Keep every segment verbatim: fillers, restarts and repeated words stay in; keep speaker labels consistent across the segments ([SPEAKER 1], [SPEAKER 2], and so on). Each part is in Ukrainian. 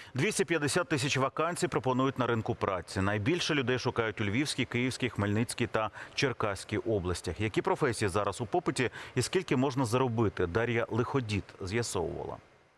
[SPEAKER 1] двісті п'ятдесят тисяч вакансій пропонують на ринку праці. Найбільше людей шукають у Львівській, Київській, Хмельницькій та Черкаській областях. Які професії зараз у попиті і скільки можна заробити? Дар'я Лиходіт з'ясовувала.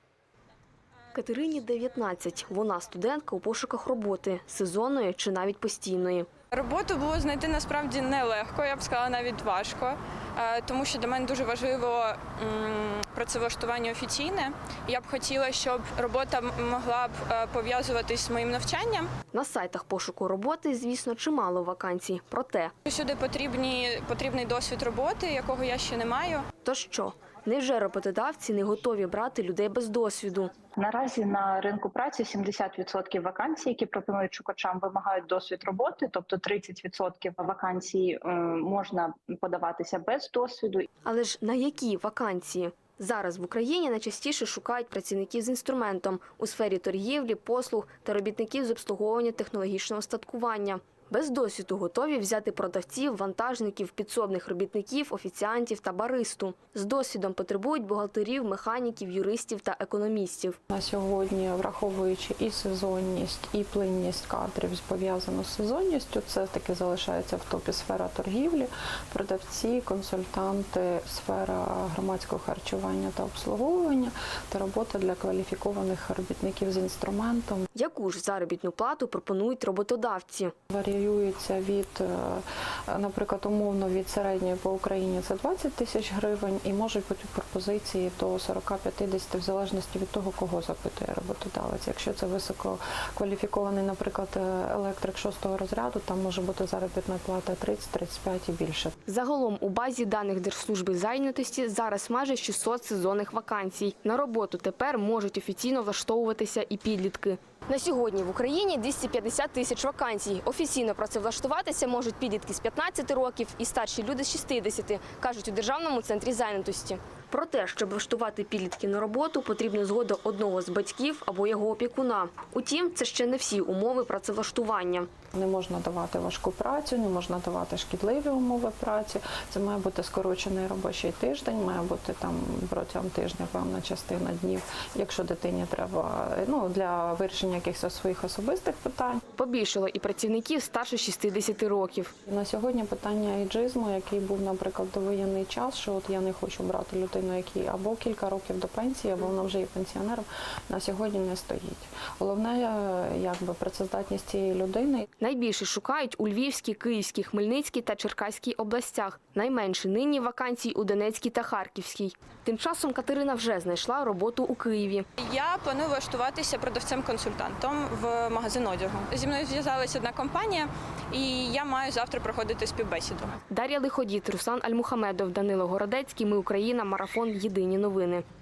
[SPEAKER 2] Катерині дев'ятнадцять. Вона студентка у пошуках роботи – сезонної чи навіть постійної.
[SPEAKER 3] Роботу було знайти насправді нелегко, я б сказала, навіть важко, тому що для мене дуже важливо працевлаштування офіційне. Я б хотіла, щоб робота могла б пов'язуватись з моїм навчанням.
[SPEAKER 2] На сайтах пошуку роботи, звісно, чимало вакансій. Проте,
[SPEAKER 3] сюди потрібні, потрібний досвід роботи, якого я ще не маю.
[SPEAKER 2] То що? Невже роботодавці не готові брати людей без досвіду?
[SPEAKER 4] Наразі на ринку праці сімдесят відсотків вакансій, які пропонують шукачам, вимагають досвід роботи, тобто тридцять відсотків вакансій можна подаватися без досвіду.
[SPEAKER 2] Але ж на які вакансії? Зараз в Україні найчастіше шукають працівників з інструментом у сфері торгівлі, послуг та робітників з обслуговування технологічного устаткування. Без досвіду готові взяти продавців, вантажників, підсобних робітників, офіціантів та баристу. З досвідом потребують бухгалтерів, механіків, юристів та економістів.
[SPEAKER 5] На сьогодні, враховуючи і сезонність, і плинність кадрів, пов'язану з сезонністю, це таки залишається в топі сфера торгівлі, продавці, консультанти, сфера громадського харчування та обслуговування та робота для кваліфікованих робітників з інструментом.
[SPEAKER 2] Яку ж заробітну плату пропонують роботодавці?
[SPEAKER 5] Варіюється від, наприклад, умовно від середньої по Україні це двадцять тисяч гривень і можуть бути пропозиції до сорок-п'ятдесят в залежності від того, кого запитує роботодавець. Якщо це висококваліфікований, наприклад, електрик шостого розряду, там може бути заробітна плата тридцять-тридцять п'ять і більше.
[SPEAKER 2] Загалом у базі даних Держслужби зайнятості зараз майже шістсот сезонних вакансій. На роботу тепер можуть офіційно влаштовуватися і підлітки. На сьогодні в Україні двісті п'ятдесят тисяч вакансій. Офіційно працевлаштуватися можуть підлітки з п'ятнадцяти років і старші люди з шістдесяти, кажуть у Державному центрі зайнятості. Про те, щоб влаштувати підлітків на роботу, потрібна згода одного з батьків або його опікуна. Утім, це ще не всі умови працевлаштування.
[SPEAKER 5] Не можна давати важку працю, не можна давати шкідливі умови праці. Це має бути скорочений робочий тиждень, має бути там протягом тижня певна частина днів, якщо дитині треба, ну, для вирішення якихось своїх особистих питань.
[SPEAKER 2] Побільшало і працівників старше шістдесяти років.
[SPEAKER 5] На сьогодні питання ейджизму, який був, наприклад, довоєнний час, що от я не хочу брати людину, який або кілька років до пенсії, або вона вже є пенсіонером, на сьогодні не стоїть. Головне, якби, працездатність цієї людини.
[SPEAKER 2] Найбільше шукають у Львівській, Київській, Хмельницькій та Черкаській областях. Найменше нині вакансій у Донецькій та Харківській. Тим часом Катерина вже знайшла роботу у Києві.
[SPEAKER 3] Я планую влаштуватися продавцем-консультантом в магазин одягу. Зі мною зв'язалася одна компанія, і я маю завтра проходити співбесіду.
[SPEAKER 2] Дар'я Лиходіт, Руслан Альмухамедов, Данило Городецький. Ми Україна. Марафон. Єдині новини.